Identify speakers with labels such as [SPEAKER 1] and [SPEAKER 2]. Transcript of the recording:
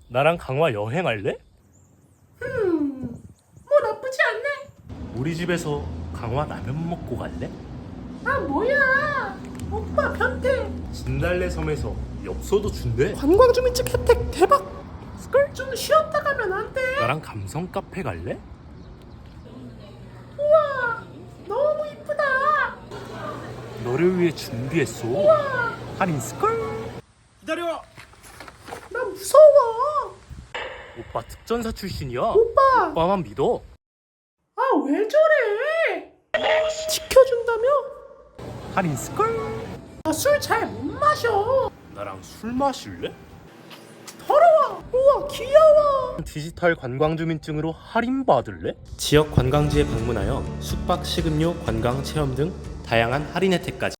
[SPEAKER 1] 나랑 강화 여행할래?
[SPEAKER 2] 뭐 나쁘지 않네.
[SPEAKER 1] 우리 집에서 강화 라면 먹고 갈래?
[SPEAKER 2] 아 뭐야, 오빠 변태.
[SPEAKER 1] 진달래 섬에서 엽서도 준대.
[SPEAKER 2] 관광주민증 혜택 대박. 스컬 좀 쉬었다 가면 안 돼?
[SPEAKER 1] 나랑 감성 카페 갈래?
[SPEAKER 2] 우와 너무 이쁘다.
[SPEAKER 1] 너를 위해 준비했어. 할인 스컬. 기다려.
[SPEAKER 2] 나 무서워.
[SPEAKER 1] 오빠 특전사 출신이야.
[SPEAKER 2] 오빠
[SPEAKER 1] 오빠만 믿어.
[SPEAKER 2] 아 왜 저래? 지켜준다며?
[SPEAKER 1] 할인 스컬.
[SPEAKER 2] 나 술 잘 못 마셔.
[SPEAKER 1] 나랑 술 마실래?
[SPEAKER 2] 더러워. 우와 귀여워.
[SPEAKER 1] 디지털 관광주민증으로 할인 받을래? 지역 관광지에 방문하여 숙박, 식음료, 관광 체험 등 다양한 할인 혜택까지